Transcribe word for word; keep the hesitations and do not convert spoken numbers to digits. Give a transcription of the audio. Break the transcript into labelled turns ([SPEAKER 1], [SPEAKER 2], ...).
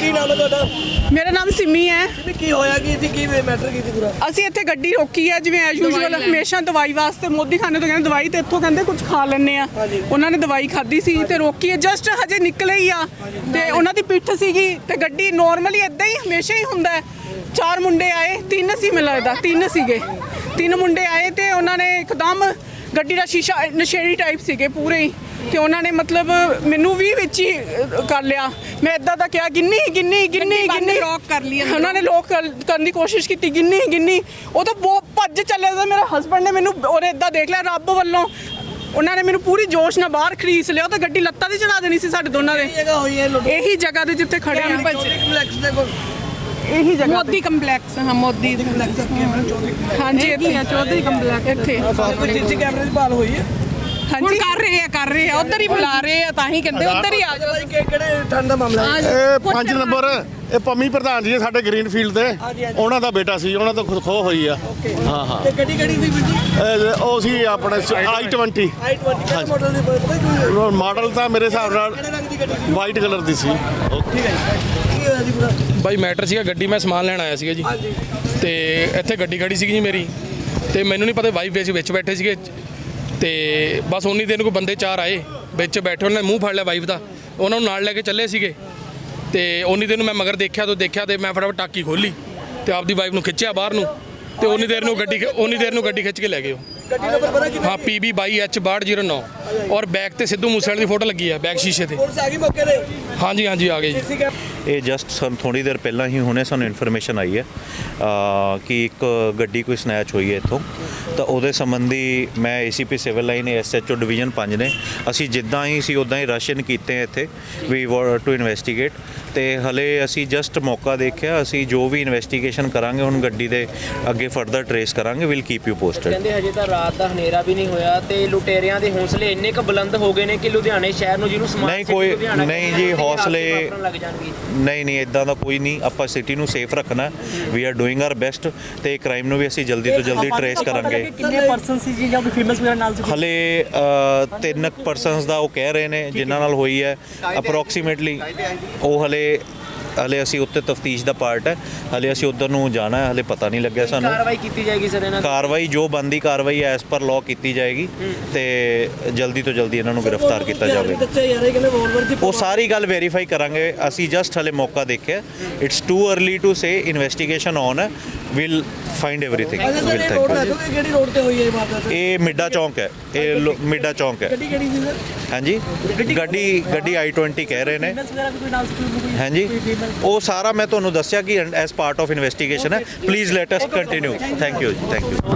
[SPEAKER 1] ਕੀ ਨਾਮ ਹੈ ਤੁਹਾਡਾ?
[SPEAKER 2] ਮੇਰਾ ਨਾਮ ਸਿਮੀ ਹੈ।
[SPEAKER 1] ਸਿਮੀ ਕੀ ਹੋਇਆ ਕੀ ਸੀ, ਕੀ ਮੈਟਰ ਕੀ ਸੀ ਪੂਰਾ?
[SPEAKER 2] ਅਸੀਂ ਇੱਥੇ ਗੱਡੀ ਰੋਕੀ ਹੈ ਜਿਵੇਂ ਐਜ਼ ਯੂਜੂਅਲ ਹਮੇਸ਼ਾ ਦਵਾਈ ਵਾਸਤੇ ਮੋਦੀ ਖਾਨੇ ਤੋਂ ਕਹਿੰਦੇ ਦਵਾਈ ਤੇ ਇੱਥੋਂ ਕਹਿੰਦੇ ਕੁਝ ਖਾ ਲੈਣੇ ਆ। ਉਹਨਾਂ ਨੇ ਦਵਾਈ ਖਾਧੀ ਸੀ ਤੇ ਰੋਕੀ ਹੈ, ਜਸਟ ਹਜੇ ਨਿਕਲੇ ਹੀ ਆ ਤੇ ਉਹਨਾਂ ਦੀ ਪਿੱਠ ਸੀਗੀ ਤੇ ਗੱਡੀ ਨੋਰਮਲੀ ਇਦਾਂ ਹੀ ਹਮੇਸ਼ਾ ਹੀ ਹੁੰਦਾ ਹੈ। ਚਾਰ ਮੁੰਡੇ ਆਏ, ਤਿੰਨ ਸੀ ਮੈਨੂੰ ਲੱਗਦਾ, ਤਿੰਨ ਸੀਗੇ ਤਿੰਨ ਮੁੰਡੇ ਆਏ ਤੇ ਉਹਨਾਂ ਨੇ ਇੱਕਦਮ ਗੱਡੀ ਦਾ ਸ਼ੀਸ਼ਾ ਨਸ਼ੇੜੀ ਟਾਈਪ ਸੀਗੇ ਪੂਰੇ ਹੀ ਤੇ ਉਹਨਾਂ ਨੇ ਮਤਲਬ ਮੈਨੂੰ ਵੀ ਵਿੱਚ ਹੀ ਕਰ ਲਿਆ। ਮੈਂ ਇਦਾਂ ਦਾ ਕਿਹਾ ਗਿੰਨੀ ਗਿੰਨੀ ਗਿੰਨੀ ਗਿੰਨੀ ਲੋਕ ਕਰ ਲਈ ਉਹਨਾਂ ਨੇ ਲੋਕ ਕਰਨ ਦੀ ਕੋਸ਼ਿਸ਼ ਕੀਤੀ, ਗਿੰਨੀ ਗਿੰਨੀ ਉਹ ਤਾਂ ਬਹੁਤ ਭੱਜ ਚੱਲਿਆ ਸੀ। ਮੇਰੇ ਹਸਬੰਡ ਨੇ ਮੈਨੂੰ ਉਹਨੇ ਇਦਾਂ ਦੇਖ ਲਿਆ, ਰੱਬ ਵੱਲੋਂ ਉਹਨਾਂ ਨੇ ਮੈਨੂੰ ਪੂਰੀ ਜੋਸ਼ ਨਾਲ ਬਾਹਰ ਖਰੀਦ ਲਿਆ। ਉਹ ਤਾਂ ਗੱਡੀ ਲੱਤਾਂ ਤੇ ਚੜਾ ਦੇਣੀ ਸੀ ਸਾਡੇ ਦੋਨਾਂ ਦੇ। ਇਹੀ ਜਗ੍ਹਾ ਤੇ ਜਿੱਥੇ ਖੜੇ ਆ, ਇਹੀ ਜਗ੍ਹਾ
[SPEAKER 3] ਮੋਦੀ ਕੰਪਲੈਕਸ। ਹਾਂ ਮੋਦੀ ਕੰਪਲੈਕਸ।
[SPEAKER 2] ਹਾਂਜੀ ਇੱਥੇ
[SPEAKER 3] ਚੌਧਰੀ ਕੰਪਲੈਕਸ
[SPEAKER 2] ਇੱਥੇ
[SPEAKER 1] ਕੋਈ ਸੀਸੀ ਕੈਮਰੇ ਦੀ ਭਾਲ ਹੋਈ ਹੈ?
[SPEAKER 3] ਹੁਣ ਕਰ ਰਹੇ ਆ ਕਰ ਰਹੇ ਆ ਉਧਰ ਹੀ ਬੁਲਾ ਰਹੇ ਆ, ਤਾਂ ਹੀ ਕਹਿੰਦੇ ਉਧਰ ਹੀ ਆ ਜਾਓ।
[SPEAKER 1] ਭਾਈ ਕਿਹੜੇ ਠੰਡ ਦਾ ਮਾਮਲਾ ਹੈ?
[SPEAKER 4] ਇਹ ਪੰਜ ਨੰਬਰ ਇਹ ਪੰਮੀ ਪ੍ਰਧਾਨ ਜੀ ਸਾਡੇ ਗ੍ਰੀਨਫੀਲਡ ਦੇ, ਉਹਨਾਂ ਦਾ ਬੇਟਾ ਸੀ, ਉਹਨਾਂ ਤੋਂ ਖੋ ਹੋਈ ਆ। ਹਾਂ ਹਾਂ
[SPEAKER 1] ਤੇ ਗੱਡੀ ਕਿਹੜੀ ਸੀ ਵੀਰ ਜੀ?
[SPEAKER 4] ਇਹ ਉਹ ਸੀ ਆਪਣੇ ਆਈ ਟਵੰਟੀ
[SPEAKER 1] ਆਈ ਟਵੰਟੀ ਕਿਹੜੇ ਮਾਡਲ ਦੀ ਪਤਾ ਕੀ
[SPEAKER 4] ਮਾਡਲ ਤਾਂ ਮੇਰੇ ਹਿਸਾਬ ਨਾਲ
[SPEAKER 1] ਕਿਹੜੇ ਰੰਗ ਦੀ ਗੱਡੀ ਸੀ?
[SPEAKER 4] ਵਾਈਟ ਕਲਰ ਦੀ ਸੀ।
[SPEAKER 1] ਠੀਕ ਹੈ ਕੀ ਹੋਇਆ ਜੀ ਪੂਰਾ?
[SPEAKER 5] ਬਾਈ ਮੈਟਰ ਸੀਗਾ, ਗੱਡੀ ਮੈਂ ਸਮਾਨ ਲੈਣ ਆਇਆ ਸੀਗਾ ਜੀ ਤੇ ਇੱਥੇ ਗੱਡੀ ਖੜੀ ਸੀਗੀ ਜੀ ਮੇਰੀ ਤੇ ਮੈਨੂੰ ਨਹੀਂ ਪਤਾ ਵਾਈਫ ਵਿੱਚ ਵਿੱਚ ਬੈਠੇ ਸੀਗੇ ਤੇ ਬਸ ਉਨੀ ਦਿਨ ਕੋਈ ਬੰਦੇ ਚਾਰ ਆਏ ਵਿੱਚ ਬੈਠੇ, ਉਹਨਾਂ ਨੇ ਮੂੰਹ ਫੜ ਲਿਆ ਵਾਈਫ ਦਾ, ਉਹਨਾਂ ਨੂੰ ਨਾਲ ਲੈ ਕੇ ਚੱਲੇ ਸੀਗੇ ਤੇ ਉਨੀ ਦਿਨ ਮੈਂ ਮਗਰ ਦੇਖਿਆ ਤੋਂ ਦੇਖਿਆ ਤੇ ਮੈਂ ਫਟਾਫਟ ਟਾਕੀ ਖੋਲੀ ਤੇ ਆਪਦੀ ਵਾਈਫ ਨੂੰ ਖਿੱਚਿਆ ਬਾਹਰ ਨੂੰ ਤੇ ਉਨੀ ਦੇਰ ਨੂੰ ਗੱਡੀ ਉਨੀ ਦੇਰ ਨੂੰ ਗੱਡੀ ਖਿੱਚ ਕੇ ਲੈ ਗਏ ਉਹ।
[SPEAKER 1] ਗੱਡੀ ਨੰਬਰ ਪਤਾ ਕਿੰਨਾ?
[SPEAKER 5] ਹਾਂ ਪੀ ਬੀ ਬਾਈ ਐਚ ਬਾਹਠ ਜ਼ੀਰੋ ਨੌ ਔਰ ਬੈਕ ਤੇ ਸਿੱਧੂ ਮੂਸੇਵਾਲੇ ਦੀ ਫੋਟੋ ਲੱਗੀ ਹੈ ਬੈਕ ਸ਼ੀਸ਼ੇ ਤੇ।
[SPEAKER 1] ਪੁਲਿਸ ਆ ਗਈ ਮੌਕੇ ਤੇ?
[SPEAKER 5] ਹਾਂਜੀ ਹਾਂਜੀ ਆ ਗਏ ਜੀ।
[SPEAKER 1] ਸੀਸੀ ਕੈਮ
[SPEAKER 6] ਇਹ ਜਸਟ ਸਾਨੂੰ ਥੋੜੀ ਦੇਰ ਪਹਿਲਾਂ ਹੀ ਹੁਣੇ ਸਾਨੂੰ ਇਨਫੋਰਮੇਸ਼ਨ ਆਈ ਹੈ ਕਿ ਇੱਕ ਗੱਡੀ ਕੋਈ ਸਨੈਚ ਹੋਈ ਹੈ ਇੱਥੋਂ, ਤਾਂ ਉਹਦੇ ਸੰਬੰਧੀ ਮੈਂ ACP civil line SHO division ਪੰਜ ਨੇ ਅਸੀਂ ਜਿੱਦਾਂ ਹੀ ਸੀ ਉੱਦਾਂ ਹੀ ਰਸ਼ਨ ਕੀਤੇ ਇੱਥੇ ਵੀ ਟੂ ਇਨਵੈਸਟੀਗੇਟ ਤੇ ਹਲੇ ਅਸੀਂ ਜਸਟ ਮੌਕਾ ਦੇਖਿਆ। ਅਸੀਂ ਜੋ ਵੀ ਇਨਵੈਸਟੀਗੇਸ਼ਨ ਕਰਾਂਗੇ ਹੁਣ ਗੱਡੀ ਦੇ ਅੱਗੇ ਫਰਦਰ ਟਰੇਸ ਕਰਾਂਗੇ, ਵਿਲ ਕੀਪ ਯੂ ਪੋਸਟਡ।
[SPEAKER 7] ਕਹਿੰਦੇ ਹਜੇ ਤਾਂ ਰਾਤ ਦਾ ਹਨੇਰਾ ਵੀ ਨਹੀਂ ਹੋਇਆ ਤੇ ਲੁਟੇਰਿਆਂ ਦੇ ਹੌਸਲੇ ਇੰਨੇ ਕੁ ਬੁਲੰਦ ਹੋ ਗਏ ਨੇ ਕਿ ਲੁਧਿਆਣੇ ਸ਼ਹਿਰ ਨੂੰ ਜਿਹਨੂੰ ਸਮਾਰਟ
[SPEAKER 6] ਨਹੀਂ ਕੋਈ ਨਹੀਂ ਜੀ ਹੌਸਲੇ
[SPEAKER 7] ਲੱਗ ਜਾਣਗੇ।
[SPEAKER 6] ਨਹੀਂ ਨਹੀਂ ਇਦਾਂ ਦਾ ਕੋਈ ਨਹੀਂ, ਆਪਾਂ ਸਿਟੀ ਨੂੰ ਸੇਫ ਰੱਖਣਾ, we are doing our best ਤੇ ਕ੍ਰਾਈਮ ਨੂੰ ਵੀ ਅਸੀਂ ਜਲਦੀ ਤੋਂ ਜਲਦੀ ਟਰੇਸ ਕਰਾਂਗੇ।
[SPEAKER 1] ਕਿੰਨੇ ਪਰਸਨ ਸੀ ਜੀ ਜਾਂ ਕੋਈ ਫੇਮਸ ਵਗੈਰਾ ਨਾਲ ਸੀ?
[SPEAKER 6] ਹਲੇ ਤਿੰਨ ਪਰਸਨਸ ਦਾ ਉਹ ਕਹਿ ਰਹੇ ਨੇ ਜਿਨ੍ਹਾਂ ਨਾਲ ਹੋਈ ਹੈ ਅਪਰੋਕਸੀਮੇਟਲੀ, ਉਹ ਹਲੇ ਹਲੇ ਅਸੀਂ ਉੱਤੇ ਤਫਤੀਸ਼ ਦਾ ਪਾਰਟ ਹੈ, ਹਲੇ ਅਸੀਂ ਉੱਧਰ ਨੂੰ ਜਾਣਾ ਹੈ, ਹਲੇ ਪਤਾ ਨਹੀਂ ਲੱਗਿਆ ਸਾਨੂੰ।
[SPEAKER 7] ਕਾਰਵਾਈ ਕੀਤੀ ਜਾਏਗੀ ਸਰ ਇਹਨਾਂ?
[SPEAKER 6] ਕਾਰਵਾਈ ਜੋ ਬੰਦੀ ਕਾਰਵਾਈ ਐਸ ਪਰ ਲਾਅ ਕੀਤੀ ਜਾਏਗੀ ਤੇ ਜਲਦੀ ਤੋਂ ਜਲਦੀ ਇਹਨਾਂ ਨੂੰ ਗ੍ਰਿਫਤਾਰ ਕੀਤਾ ਜਾਵੇ।
[SPEAKER 1] ਬੱਚੇ ਯਾਰ ਇਹ ਕਹਿੰਦੇ ਵੋਲਵਰ ਦੀ
[SPEAKER 6] ਉਹ ਸਾਰੀ ਗੱਲ ਵੈਰੀਫਾਈ ਕਰਾਂਗੇ, ਅਸੀਂ ਜਸਟ ਹਲੇ ਮੌਕਾ ਦੇਖਿਆ। It's too early to say, investigation on ਹੈ, will find everything. Will thank you.
[SPEAKER 1] ਕਿਹੜੀ ਰੋਡ ਤੇ ਹੋਈ ਹੈ ਇਹ ਵਾਰਦਾਤ?
[SPEAKER 6] ਇਹ ਮਿੱਡਾ ਚੌਂਕ ਹੈ, ਇਹ ਲੋ- ਮਿੱਡਾ ਚੌਂਕ ਹੈ।
[SPEAKER 1] ਗੱਡੀ ਕਿਹੜੀ ਸੀ ਸਰ?
[SPEAKER 6] ਹਾਂਜੀ ਗੱਡੀ ਗੱਡੀ ਆਈ ਟਵੰਟੀ ਕਹਿ ਰਹੇ ਨੇ।
[SPEAKER 1] ਫੇਮਸ ਵਗੈਰਾ ਵੀ ਕੋਈ ਨਾਲ ਸੀ ਕੋਈ?
[SPEAKER 6] ਹਾਂਜੀ ਉਹ ਸਾਰਾ ਮੈਂ ਤੁਹਾਨੂੰ ਦੱਸਿਆ ਕਿ ਐਸ ਪਾਰਟ ਆਫ ਇਨਵੈਸਟੀਗੇਸ਼ਨ ਹੈ। Please let us continue. Thank you ਜੀ, ਥੈਂਕ ਯੂ।